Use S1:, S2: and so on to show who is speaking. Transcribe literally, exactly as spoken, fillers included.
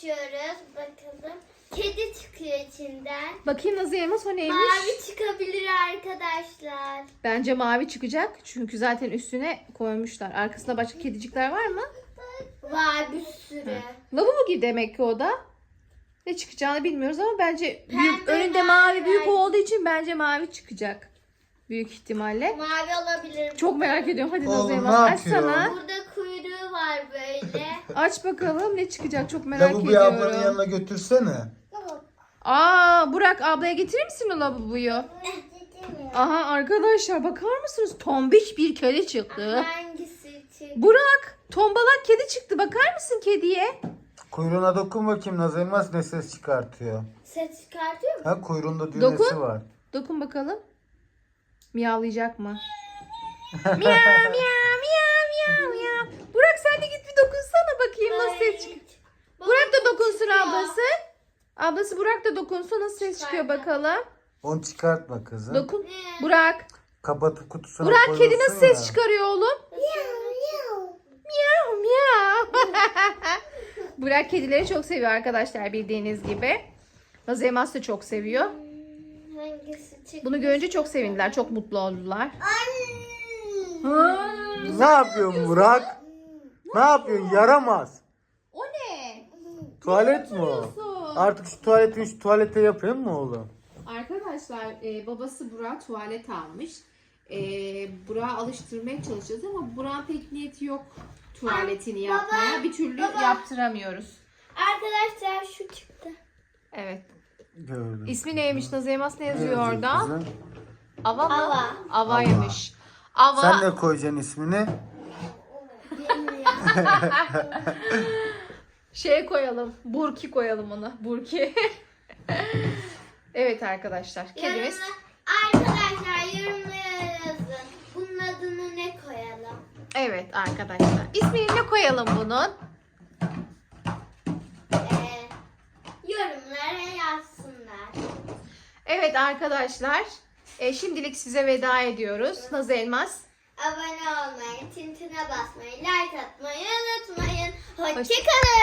S1: açıyoruz. Bakalım. Kedi çıkıyor içinden.
S2: Bakayım Nazlı Elmas, o neymiş?
S1: Mavi çıkabilir arkadaşlar.
S2: Bence mavi çıkacak. Çünkü zaten üstüne koymuşlar. Arkasında başka kedicikler var mı?
S1: Var bir sürü.
S2: Lavabo gibi demek ki o da. Ne çıkacağını bilmiyoruz ama bence büyük,
S1: Pembe,
S2: önünde
S1: mavi,
S2: mavi büyük
S1: mavi.
S2: olduğu için bence mavi çıkacak. Büyük ihtimalle.
S1: Mavi olabilir.
S2: Çok merak ediyorum. Hadi
S3: Oğlum,
S2: Nazlı
S3: ne
S2: Elmas
S3: yapıyor?
S2: açsana.
S1: Burada kuyruğu var böyle.
S2: Aç bakalım ne çıkacak, çok merak
S3: Lavaboyu ablanın
S2: ediyorum.
S3: yanına götürsene.
S2: Aa, Burak ablaya getirir misin o lavaboyu? Aha arkadaşlar, bakar mısınız? Tombiş bir kedi çıktı.
S1: Hangisi çıktı?
S2: Burak, tombalak kedi çıktı. Bakar mısın kediye?
S3: Kuyruğuna dokun bakayım, Naz Elmas ne ses çıkartıyor.
S1: Ses çıkartıyor mu?
S3: Ha, kuyruğunda düğmesi
S2: Dokun.
S3: var.
S2: Dokun bakalım. Miyavlayacak mı? miyav miyav miyav miyav miyav. Burak sen de git bir dokunsana bakayım nasıl ses çıkıyor. Burak da dokunsun
S1: çıkıyor.
S2: ablası. Ablası Burak da dokunsun, nasıl ses çıkıyor bakalım.
S3: Onu çıkartma kızım.
S2: Dokun.
S1: Ne?
S2: Burak.
S3: Kapatıp kutusuna
S2: Burak
S3: koyuyorsun
S2: kedi nasıl
S3: ya.
S2: ses çıkarıyor oğlum? Miyav miyav. Burak kedileri çok seviyor arkadaşlar, bildiğiniz gibi. Nazlı Elmas da çok seviyor.
S1: Hangisi çıktı?
S2: Bunu görünce çok sevindiler, çok mutlu oldular.
S3: Ne yapıyorsun Burak? Ne yapıyorsun? Yaramaz.
S2: O ne?
S3: Tuvalet mi o? Artık şu tuvaleti şu tuvalete yapayım mı oğlum?
S2: Arkadaşlar e, babası Burak'a tuvalet almış. E, Burak'a alıştırmaya çalışacağız ama Burak'ın pek niyeti yok tuvaletini
S1: Baba,
S2: yapmaya. Bir türlü
S1: baba.
S2: yaptıramıyoruz.
S1: Arkadaşlar şu çıktı.
S2: Evet.
S3: Gördüm.
S2: İsmi neymiş Nazlı Elmas, ne
S3: Ne
S2: yazıyor
S3: yazıyor
S2: orada?
S3: kızım?
S2: Ava mı?
S1: Ava.
S2: Avaymış. Ava.
S3: Sen ne koyacaksın ismini?
S2: Şey koyalım. Burki koyalım ona. Burki. Evet arkadaşlar. Kedimiz.
S1: Yorumla- Arkadaşlar yorumlara yazın. Bunun adını ne koyalım?
S2: Evet arkadaşlar. İsmini ne koyalım bunun?
S1: Ee, yorumlara yazsınlar.
S2: Evet arkadaşlar. E, şimdilik size veda ediyoruz. Nazlı Elmas.
S1: Abone olmayı, tintine basmayı, like atmayı unutmayın.
S2: Hoşça-
S1: Hoşçakalın.